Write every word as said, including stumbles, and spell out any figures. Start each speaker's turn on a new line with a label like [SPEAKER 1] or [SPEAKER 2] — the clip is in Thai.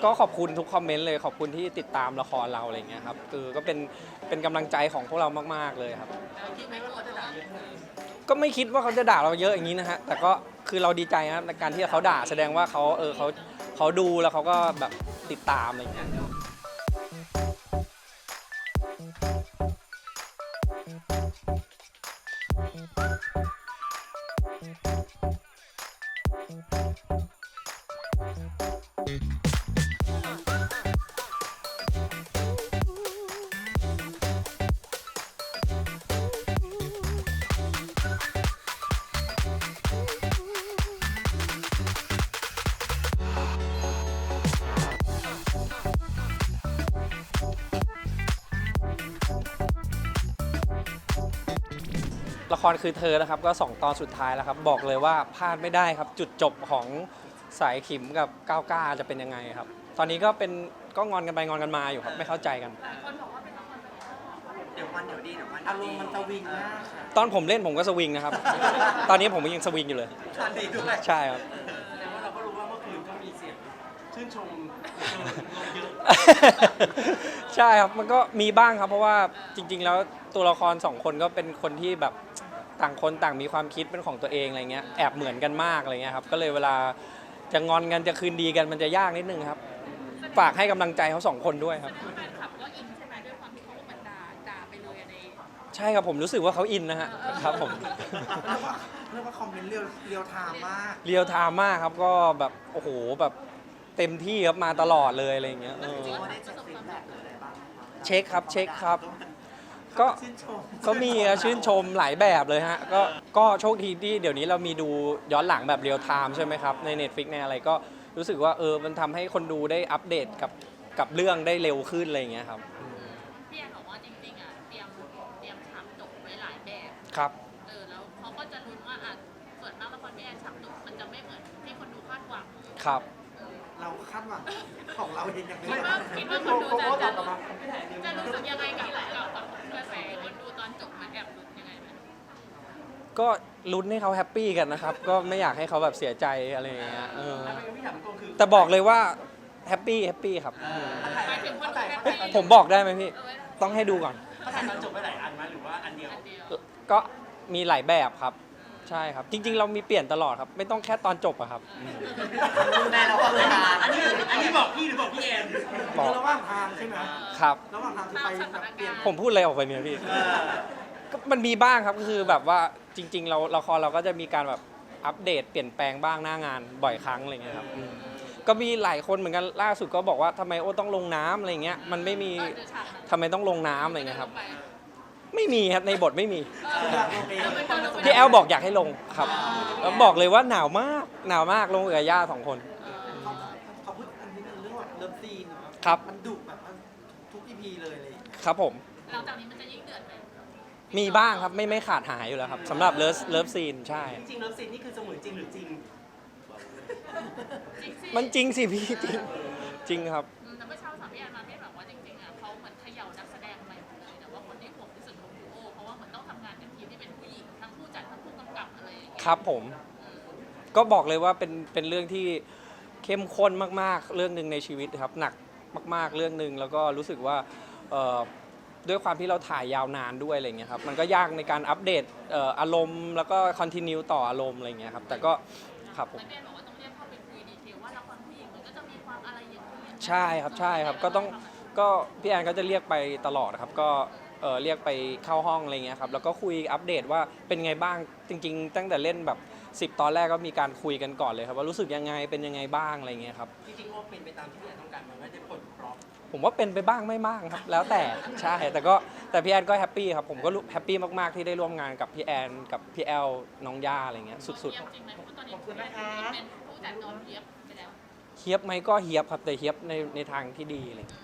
[SPEAKER 1] ก็ขอบคุณทุกคอมเมนต์เลยขอบคุณที่ติดตามละครเราอะไรเงี้ยครับคือก็เป็นเป็นกำลังใจของพวกเรามากๆเลยครับก็ไม่คิดว่าเขาจะด่าเราเยอะอย่างนี้นะฮะแต่ก็คือเราดีใจนะครับในการที่เขาด่าแสดงว่าเขาเออเขาเขาดูแล้วเขาก็แบบติดตามอะไรเงี้ยละครคือเธอนะครับก็สองตอนสุดท้ายแล้วครับบอกเลยว่าพลาดไม่ได้ครับจุดจบของสายขิมกับก้าวก้าจะเป็นยังไงครับตอนนี้ก็เป็นก็งอนกันไปงอนกันมาอยู่ครับไม่เข้าใจกัน
[SPEAKER 2] เดี๋ยววันเดี๋ยวดีเดี๋ยววันอารมณ์มันสวิงมาก
[SPEAKER 1] ตอนผมเล่นผมก็สวิงนะครับ ตอนนี้ผมยังสวิงอยู่เลย
[SPEAKER 2] ตอนดีด้วย
[SPEAKER 1] ใช่ครับ
[SPEAKER 2] แสดงว่าเราก็รู้ว่าเมื่อคืนก็มีเสียงชื่นชมเยอะ
[SPEAKER 1] ใช่ครับมันก็มีบ้างครับเพราะว่าจริงๆแล้วตัวละครสองคนก็เป็นคนที่แบบต่างคนต่างมีความคิดเป็นของตัวเองอะไรเงี้ยแอบเหมือนกันมากอะไรเงี้ยครับก็เลยเวลาจะงอนกันจะคืนดีกันมันจะยากนิดนึงครับฝากให้กำลังใจเขาสองคนด้วยครับใช่ครับผมรู้สึกว่าเขาอินนะฮะครับผม
[SPEAKER 2] เรียกว่าคอมเมนต์เรียวเรียวไทม์มาก
[SPEAKER 1] เรียวไทม์มากครับก็แบบโอ้โหแบบเต็มที่ครับมาตลอดเลยอะไรเงี้ยเช็คครับเช็คครับก็ก็มีชื่นชมหลายแบบเลยฮะก็ก็โชคดีที่เดี๋ยวนี้เรามีดูย้อนหลังแบบเรียลไทม์ใช่ไหมครับใน Netflix ในอะไรก็รู้สึกว่าเออมันทำให้คนดูได้อัปเดตกับกับเรื่องได้เร็วขึ้นอะไรเงี้ยครับ
[SPEAKER 3] พี่แอนบอกว่าจริงๆอ่ะเตรียมเตรียมฉากจบไว้หลายแบบ
[SPEAKER 1] ครับ
[SPEAKER 3] เออแล้วเขาก็จะลุ้นว่าอ่ะส่วนมากละครพี่แอนฉากจบมันจะไม่เหมือนที่คนดูคาดหวัง
[SPEAKER 1] ครับ
[SPEAKER 2] เราคาดหวังของเราเองยัง
[SPEAKER 3] ไม่ว่าคิดว่าคนดูจะจะจะรู้สึกยังไงกับกับกระแสคนดูตอนจบมาแอบลุ้นยังไงไหม
[SPEAKER 1] ก็ลุ้นให้เขาแฮปปี้กันนะครับก็ไม่อยากให้เขาแบบเสียใจอะไรอย่างเงี้ยเออแต่บอกเลยว่าแฮปปี้แฮปปี้ครับผมบอกได้ไหมพี่ต้องให้ดูก่อน
[SPEAKER 2] เขาถ่ายตอนจบไปหลายอันไหมหรือว่าอันเดียว
[SPEAKER 1] ก็มีหลายแบบครับใช่ครับจริงๆเรามีเปลี่ยนตลอดครับไม่ต้องแค่ตอนจบอะครับ
[SPEAKER 2] แม่เราก็เลยอันนี้อันนี้บอกพี่หรือบอกพี่แอนบอกระหว่างทางใช่ไหม
[SPEAKER 1] ครับ
[SPEAKER 2] ระหว่างทางคือไปเปลี่ยน
[SPEAKER 1] ผมพูดอะไรออกไปเนี่ยพี่ก็มันมีบ้างครับก็คือแบบว่าจริงๆเราละครเราก็จะมีการแบบอัปเดตเปลี่ยนแปลงบ้างหน้างานบ่อยครั้งอะไรเงี้ยครับก็มีหลายคนเหมือนกันล่าสุดก็บอกว่าทำไมโอ้ต้องลงน้ำอะไรเงี้ยมันไม่มีทำไมต้องลงน้ำอะไรเงี้ยครับไม่มีครับในบทไม่มีพี่แอลบอกอยากให้ลงครับแล้วบอกเลยว่าหนาวมากหนาวมากลงกับย่าสองคน
[SPEAKER 2] เขาพูดอันนี้เรื่องเลิฟซีน
[SPEAKER 1] ครับ
[SPEAKER 2] มันดุแบบทุกอีพีเลยเลย
[SPEAKER 1] ครับผม
[SPEAKER 3] หลังจากนี้มันจะยิ่งเดือดไหม
[SPEAKER 1] มีบ้างครับไม่ไม่ขาดหายอยู่แล้วครับสำหรับเลิฟเลิฟซีนใช่
[SPEAKER 2] จริงเลิฟซีนนี่คือเสมือนจริงหรือจริง
[SPEAKER 1] มันจริงสิพี่จริงจริงครับ
[SPEAKER 3] แต่เมื่อเช้าสามพี่แอนมาพี่แบบว่าจริงๆอ่ะเขาเหมือนเขย่านักแสดงใหม่หมดเลยแต่ว่าคนที่ห่วงที่สุดของดูโอเพราะว่าเหมือนต้องทำงานกับทีมที่เป็นผู้หญิงทั้งผู้จัดทั้งผู้กำกับอะไรอย่างเงี้ย
[SPEAKER 1] ครับผมก็บอกเลยว่าเป็นเป็นเรื่องที่เข้มข้นมากๆเรื่องหนึ่งในชีวิตครับหนักมากๆเรื่องหนึ่งแล้วก็รู้สึกว่าด้วยความที่เราถ่ายยาวนานด้วยอะไรเงี้ยครับมันก็ยากในการอัปเดตอารมณ์แล้วก็คอนติเนียต่ออารมณ์อะไรเงี้ยครับแต่ก็ครับผมใช่ครับใช่ครับก็ต้องก็พี่แอนก็จะเรียกไปตลอดครับก็เออเรียกไปเข้าห้องอะไรเงี้ยครับแล้วก็คุยอัปเดตว่าเป็นไงบ้างจริงๆตั้งแต่เล่นแบบสิบตอนแรกก็มีการคุยกันก่อนเลยครับว่ารู้สึกยังไงเป็นยังไงบ้างอะไรเงี้ยครับ
[SPEAKER 2] จริงๆว่าเป็นไปตามที่พี่แอนต้องการมันไม่ได้ผลปลอบ
[SPEAKER 1] ผมว่าเป็นไปบ้างไม่บ้างครับแล้วแต่ใช่แต่ก็แต่พี่แอนก็แฮปปี้ครับผมก็แฮปปี้มากๆที่ได้ร่วมงานกับพี่แอนกับพี่แอลน้องย่าอะไรเงี้ยสุดๆ
[SPEAKER 2] ขอบคุณนะคะ
[SPEAKER 1] เฮียบไหมก็เฮียบครับแต่เฮียบในในทางที่ดีเลย